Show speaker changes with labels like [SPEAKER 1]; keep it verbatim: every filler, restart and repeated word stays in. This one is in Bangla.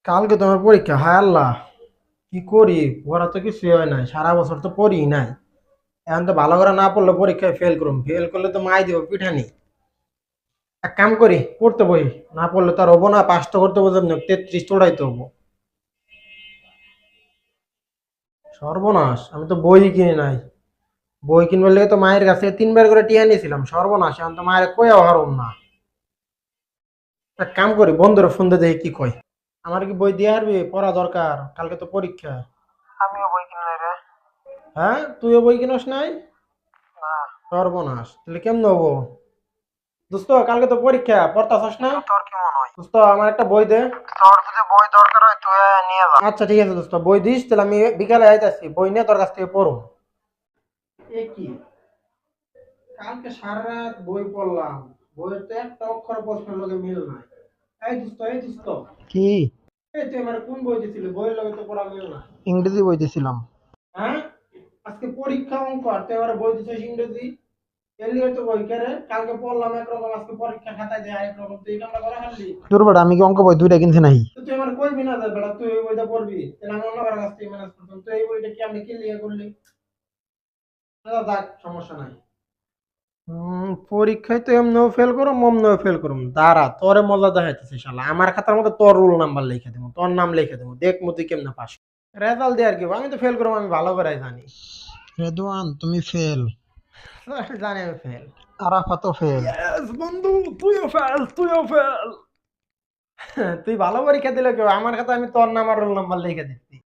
[SPEAKER 1] কালকে তোমার পরীক্ষা, হায় আল্লাহ! কি করি? পড়া তো কিছুই হয় নাই, সারা বছর তো পড়ি নাই। এখন তো ভালো করে না পড়লে পরীক্ষায় ফেল করুম, ফেল করলে তো মাই দিব পিঠানি। এক কাম করি, পড়তে বই। না পড়লে তো আর হবো না, পাস তো করতে বলতাম না, তেত্রিশ তো উড়াইতে হবো। সর্বনাশ, আমি তো বই কিনি নাই। বই কিনবার লেগে তো মায়ের কাছে তিনবার করে টিয়া নিয়েছিলাম, সর্বনাশ, এখন তো মায়ের কইয়া হারুম না। এক কাম করি, বন্ধুরা ফোন দিয়ে দেখি কি কয়। আমার কি বই দিয়ে হারবি? পড়া দরকার, কালকে তো পরীক্ষা।
[SPEAKER 2] আমিও বই কিনি নাই রে।
[SPEAKER 1] হ্যাঁ, তুইও বই কিনস নাই?
[SPEAKER 2] না।
[SPEAKER 1] সর্বনাশ, তাহলে কেমন হবো? দোস্ত, কালকে তো পরীক্ষা, পড়তাছস না?
[SPEAKER 2] তো তোর কি মনে হয়?
[SPEAKER 1] দোস্ত, আমার একটা বই দে।
[SPEAKER 2] তোর যদি বই দরকার হয় তুই আয় নিয়ে যা।
[SPEAKER 1] আচ্ছা ঠিক আছে দোস্ত, বই দিস, তাহলে আমি বিকালে আইতাছি, বই নিয়ে তোর কাছ থেকে পড়ো। এ কি, কালকে সারা রাত বই পড়লাম, বইয়ের তো একটা অক্ষর প্রশ্নের লগে মিল নাই। এই দোস্ত, এই দোস্ত,
[SPEAKER 2] কি?
[SPEAKER 1] এই তুই আমার কোন বই দিছিলি? বইয়ের লগে তো পড়া মিল নাই।
[SPEAKER 2] ইংরেজি বই দিছিলাম।
[SPEAKER 1] হ্যাঁ, আজকে পরীক্ষা অঙ্ক, আর তুই আমার বই দিছিস ইংরেজি? এলি হয়তো বই কেরে, কালকে পড়লাম একরকম, আজকে পরীক্ষা খাতায় যায় একরকম, তুই এই কামটা করা হারলি?
[SPEAKER 2] তোর বেটা আমি কি অঙ্ক বই দুইটা কিনছি নাই?
[SPEAKER 1] তো তুই আমার কইবি না যে বেটা তুই এই বইটা পড়বি, তাহলে আমি অন্য কারো কাছ থেকে ম্যানেজ করতাম, তুই এই বইটা কি আমি কি লিয়ে করলি? আচ্ছা, যাক, সমস্যা নাই। হুম, পরীক্ষায় তো এমনিও ফেল করো, অমনিও ফেল করুম, দাঁড়া তোরে মজা দেখাইতেছি শালা, আমার খাতার মধ্যে তোর রোল নাম্বার লিখে দেবো, তোর নাম লিখে দেবো, দেখ মতি কেমনে পাস। রেজাল্ট দিয়ে আর কি হবো? আমি তো ফেল করবো, আমি ভালো করে জানি।
[SPEAKER 2] রেদওয়ান তুমি ফেল।
[SPEAKER 1] জানি আমি ফেল।
[SPEAKER 2] আরাফাতও ফেল।
[SPEAKER 1] ইয়েস বন্ধু, তুইও ফেল, তুইও ফেল। তুই ভালো পরীক্ষা দিলে কেউ, আমার খাতা আমি তোর নাম আর রোল নাম্বার লিখে দিচ্ছি।